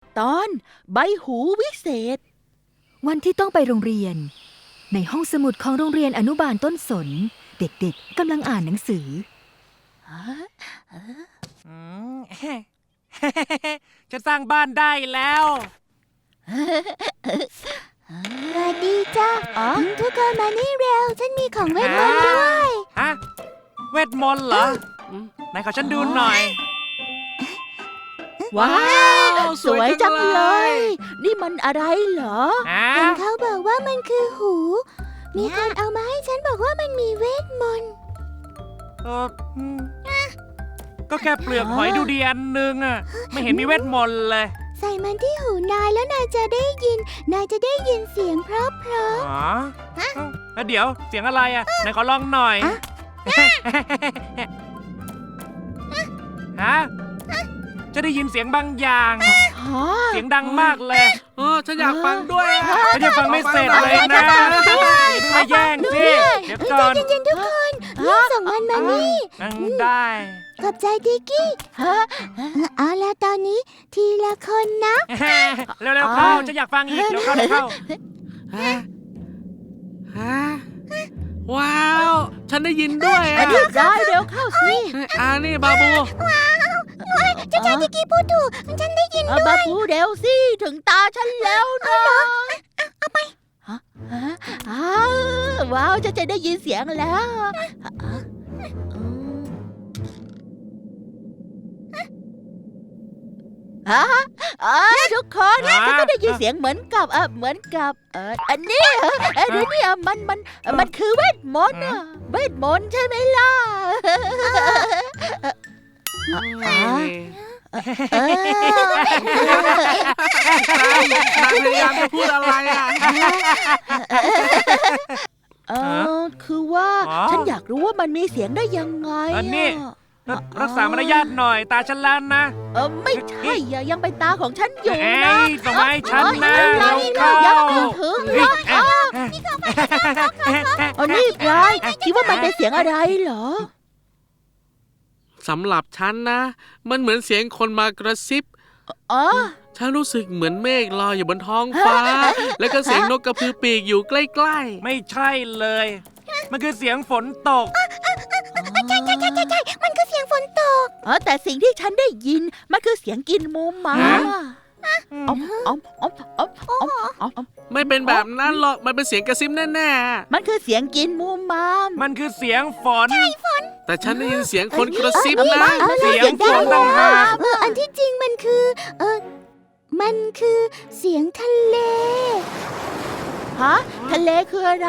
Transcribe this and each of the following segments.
ตอนใบหูวิเศษวันที่ต้องไปโรงเรียนในห้องสมุดของโรงเรียนอนุบาลต้นสนเด็กๆกำลังอ่านหนังสือจะสร้างบ้านได้แล้วสวัสดีจ้าทุกคนมานี่เร็วฉันมีของเวทมนต์ด้วยฮะเวทมนต์เหรอไหนขอฉันดูหน่อยว้าวสวยจังเลย นี่มันอะไรเหรอเห็นเขาบอกว่ามันคือหู มีคนเอามาให้ฉันบอกว่ามันมีเวทมนต์เออก็แค่เปลือกหอยดูดีอันนึงอ่ะไม่เห็นมีเวทมนต์เลยใส่มันที่หูนายแล้วนายจะได้ยินเสียงเพราะอ๋อแล้วเดี๋ยวเสียงอะไรอ่ะไหนขอลองหน่อยฮะจะได้ยินเสียงบางอย่างเสียงดังมากเลยฉันอยากฟังด้วยฉันยังฟังไม่เสร็จเลยนะมาแย่งสิเดี๋ยวก่อนใจเย็นๆทุกคนรีบส่งมันมานี่ได้ขอบใจดิกกี้เอาละตอนนี้ทีละคนนะเร็วๆเข้าฉันอยากฟังอีกเร็วเข้าว้าว ฉันได้ยินด้วยได้เร็วเข้าสินี่บาบูเจ้าชายดิกกี้พูดถูกฉันได้ยินด้วยมาพูดเร็วสิถึงตาฉันแล้วนะเอาไปว้าวจะได้ยินเสียงแล้วทุกคนฉันก็ได้ยินเสียงเหมือนกับอันนี้นี่มันคือเวทมนต์เวทมนต์ใช่ไหมล่ะพยายามจะพูดอะไรคือว่าฉันอยากรู้ว่ามันมีเสียงได้ยังไงรักษามารยาทหน่อยตาฉันแล้วนะไม่ใช่ยังเป็นตาของฉันอยู่นะส่งมาให้ฉันนะเราเข้าถึงนี่พลายคิดว่ามันเป็นเสียงอะไรเหรอสำหรับฉันนะ มันเหมือนเสียงคนมากระซิบฉันรู้สึกเหมือนเมฆลอยอยู่บนท้องฟ้า แล้วก็เสียงนกกระพือปีกอยู่ใกล้ๆไม่ใช่เลยมันคือเสียงฝนตกใช่มันคือเสียงฝนตกแต่สิ่งที่ฉันได้ยินมันคือเสียงกินมูมาไม่เป็นแบบนั้นหรอกมันเป็นเสียงกระซิบแน่ๆมันคือเสียงกินมูมามมันคือเสียงฝนแต่ฉันได้ยินเสียงคนกระซิบนะเสียงฝนต่างหากอันที่จริงมันคือเสียงทะเลทะเลคืออะไร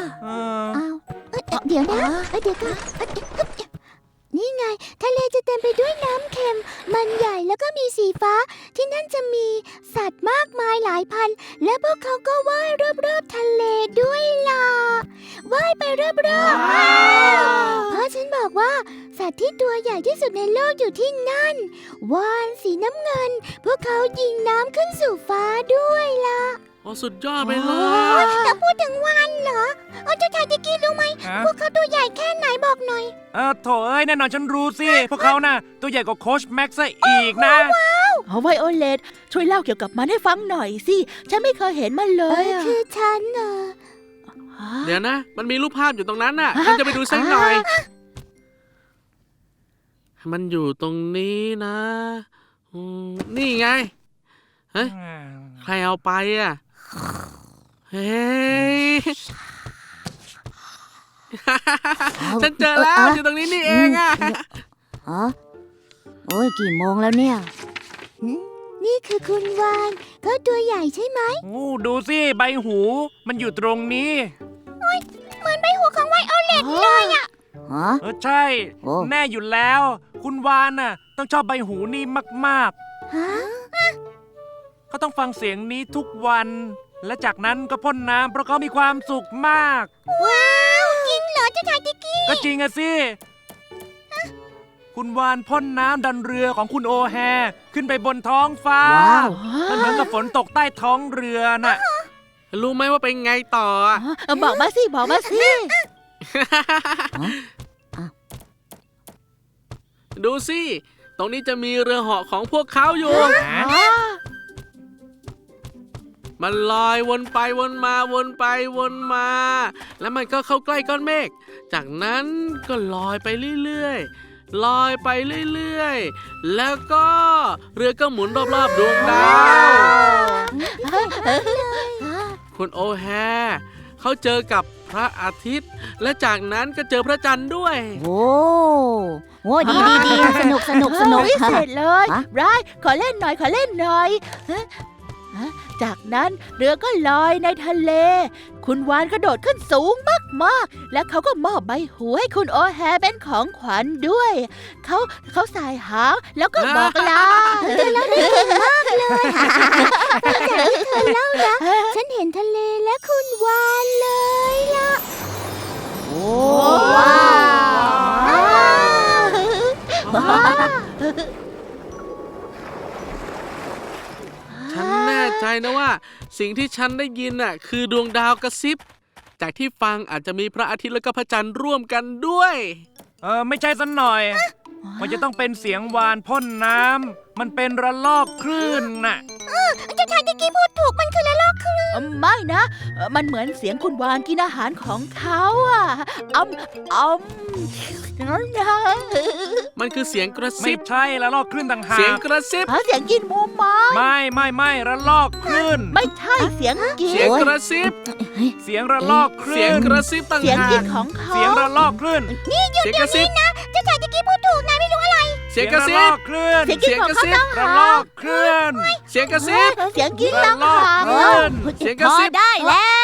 เดี๋ยวนะเดี๋ยวก่อนนี่ไงทะเลจะเต็มไปด้วยน้ำเค็มมันใหญ่แล้วก็มีสีฟ้าที่นั่นจะมีสัตว์มากมายหลายพันและพวกเขาก็ว่ายรอบๆทะเลด้วยล่ะว่ายไปรอบๆเพราะฉันบอกว่าสัตว์ที่ตัวใหญ่ที่สุดในโลกอยู่ที่นั่นวาฬสีน้ำเงินพวกเขายิงน้ำขึ้นสู่ฟ้าด้วยล่ะสุดยอดไปเลยแต่พูดถึงวาฬเหรอเจ้าชายดิกกี้รู้ไหมพวกเขาตัวใหญ่แค่ไหนบอกหน่อยโถเอ้ยแน่นอนฉันรู้สิพวกเขาน่ะตัวใหญ่กว่าโค้ชแม็กซ์ซะอีกนะไวโอเลตช่วยเล่าเกี่ยวกับมันให้ฟังหน่อยสิฉันไม่เคยเห็นมันเลยคือฉันเดี๋ยวนะมันมีรูปภาพอยู่ตรงนั้นน่ะฉันจะไปดูสักหน่อยมันอยู่ตรงนี้นะนี่ไงเฮ้ยใครเอาไปเฮ้ยฉันเจอแล้วอยู่ตรงนี้นี่เองโอ้ยกี่โมงแล้วเนี่ยนี่คือคุณวานเขาตัวใหญ่ใช่ไหมดูสิใบหูมันอยู่ตรงนี้เหมือนใบหูของไวโอเลตเลยใช่แน่อยู่แล้วคุณวานน่ะต้องชอบใบหูนี่มากๆเขาต้องฟังเสียงนี้ทุกวันและจากนั้นก็พ่นน้ำเพราะเขามีความสุขมากว้าวจริงเหรอเจ้าชายดิกกี้ก็จริงอะสิคุณวานพ่นน้ำดันเรือของคุณโอแฮขึ้นไปบนท้องฟ้ามันเหมือนกับฝนตกใต้ท้องเรือน่ะรู้ไหมว่าเป็นไงต่อบอกมาสิดูสิตรงนี้จะมีเรือเหาะของพวกเขาอยู่มันลอยวนไปวนมาวนไปวนมา แล้วมันก็เข้าใกล้ก้อนเมฆจากนั้นก็ลอยไปเรื่อยๆลอยไปเรื่อยๆแล้วก็เรือก็หมุนรอบๆดวงดาวคุณโอแฮเขาเจอกับพระอาทิตย์ และจากนั้นก็เจอพระจันทร์ด้วยโอ้ดีสนุกสนุกวิเศษเลยฮะไรขอเล่นหน่อยขอเล่นหน่อยฮะจากนั้นเรือก็ลอยในทะเล คุณวานกระโดดขึ้นสูงมากๆ และเขาก็มอบใบหูให้คุณโอแฮเป็นของขวัญด้วย เขาสายหางแล้วก็บอกลาฉันเห็นทะเลและคุณวานเลยล่ะโอ้ว้าวฉันแน่ใจนะว่า สิ่งที่ฉันได้ยินน่ะคือดวงดาวกระซิบ จากที่ฟังอาจจะมีพระอาทิตย์และก็พระจันทร์ร่วมกันด้วยไม่ใช่สันหน่อย มันจะต้องเป็นเสียงวานพ่นน้ำมันเป็นระลอกคลื่นน่ะเจ้าชายตะกี้พูดถูกมันคือละลอกคลื่นไม่นะมันเหมือนเสียงคุณวานกินอาหารของเขาอ่ะนั่นนะมันคือเสียงกระไม่ซิบใช่ระลอกคลื่นต่างหาเสียงกกระซิบเสียงกินหมูไม้ไม่ระลอกคลื่นไม่ใช่เสียงกินเสียงกระซิบเสียงระลอกคเสีลื่ยงนกระซิบต่างเสียงหากินกของเขาเสียงระลอกคลื่นเสียงกระซิบเจ้าชายตะกี้พูดถูกนายไม่รู้อะไรเสียงกระซิระลบอกคลื่นเสียงกินของเขาต้องระหาลอกคลื่นเสียงกระซิบเสียงกินต้องหาระลอกคลื่นเสียงกระซิบพอได้แล้ว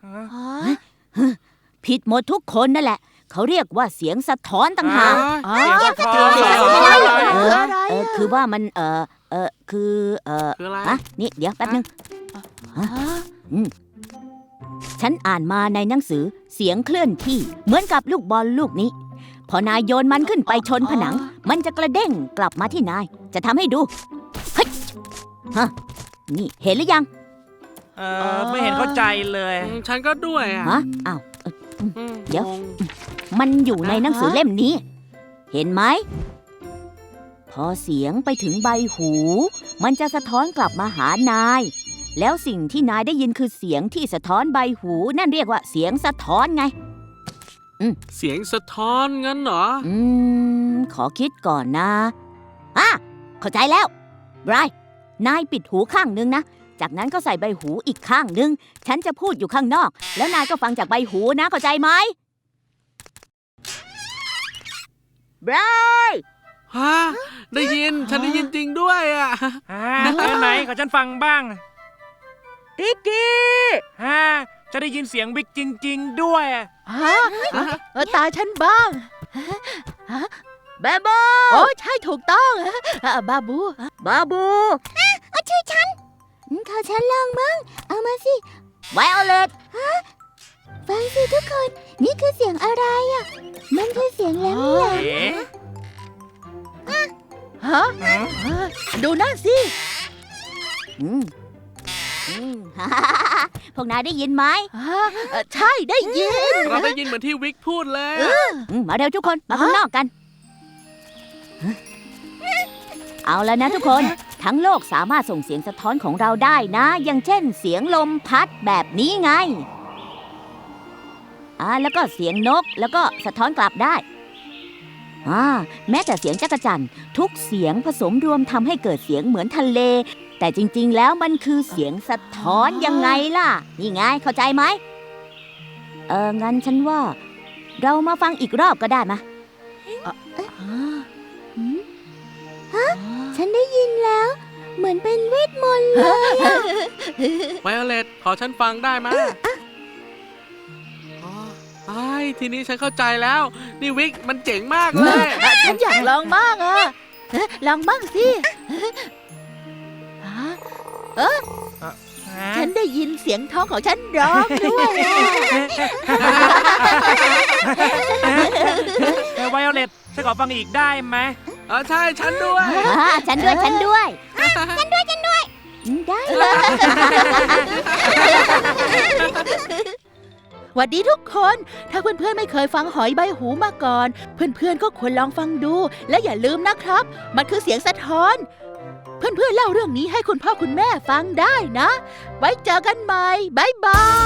ผิดหมดทุกคนนั่นแหละ เขาเรียกว่าเสียงสะท้อนต่างหากอ๋อเสียงสะท้อนเสียงสะท้อน อะไรคือว่ามันคือคืออะไรนี่เดี๋ยวแป๊บนึง ฉันอ่านมาในหนังสือเสียงเคลื่อนที่เหมือนกับลูกบอลลูกนี้ พอนายโยนมันขึ้นไปชนผนัง มันจะกระเด้งกลับมาที่นาย จะทำให้ดูเฮ้ยฮะนี่เห็นหรือยังไม่เห็นเข้าใจเลยฉันก็ด้วยอ่ะฮะอ้าว เดี๋ยวงงมันอยู่ในหนังสือเล่มนี้ เห็นไหม พอเสียงไปถึงใบหู มันจะสะท้อนกลับมาหานาย แล้วสิ่งที่นายได้ยินคือเสียงที่สะท้อนใบหู นั่นเรียกว่าเสียงสะท้อนไงเสียงสะท้อนงั้นเหรอขอคิดก่อนนะเข้าใจแล้วไบรท์นายปิดหูข้างนึงนะ จากนั้นก็ใส่ใบหูอีกข้างนึง ฉันจะพูดอยู่ข้างนอก แล้วนายก็ฟังจากใบหูนะ เข้าใจไหมไบรท์ฮะ ได้ยิน ฉันได้ยินจริงด้วยอ่ะไหนขอฉันฟังบ้างติ๊กกี้จะได้ยินเสียงวิกจริง ๆ ด้วยตาฉันบ้างบาบูโอ้ใช่ถูกต้องบาบูบาบูชื่อฉันขอฉันลองมั้งเอามาสิไวโอเลตฟังสิทุกคน นี่คือเสียงอะไรอ่ะ มันคือเสียงแหลมเอ๊ะฮะดูนั่นสิพวกนายได้ยินไหมใช่ได้ยินเราได้ยินเหมือนที่วิกพูดเลยอะมาเร็วทุกคนมาข้างนอกกัน เอาแล้วนะทุกคน ทั้งโลกสามารถส่งเสียงสะท้อนของเราได้นะ อย่างเช่นเสียงลมพัดแบบนี้ไงแล้วก็เสียงนกแล้วก็สะท้อนกลับได้แม้แต่เสียงจักรจั่นทุกเสียงผสมรวมทำให้เกิดเสียงเหมือนทะเล แต่จริงๆแล้วมันคือเสียงสะท้อนยังไงล่ะ นี่ไงเข้าใจไหมงั้นฉันว่า เรามาฟังอีกรอบก็ได้มะฉันได้ยินแล้ว เหมือนเป็นเวทมนต์เลยไวโอเลตขอฉันฟังได้ไหมทีนี้ฉันเข้าใจแล้ว นี่วิกมันเจ๋งมากเลยฉันอยากลองบ้างลองบ้างสิฉันได้ยินเสียงท้องของฉันร้องด้วยไวโอเลตฉันขอฟังอีกได้ไหมใช่ฉันด้วยฉันด้วย ฉันด้วย ได้หวัดดีทุกคน ถ้าเพื่อนๆไม่เคยฟังหอยใบหูมาก่อน เพื่อนๆก็ควรลองฟังดู และอย่าลืมนะครับ มันคือเสียงสะท้อน เเพื่อนๆเล่าเรื่องนี้ให้คุณพ่อคุณแม่ฟังได้นะ ไว้เจอกันใหม่บ๊ายบาย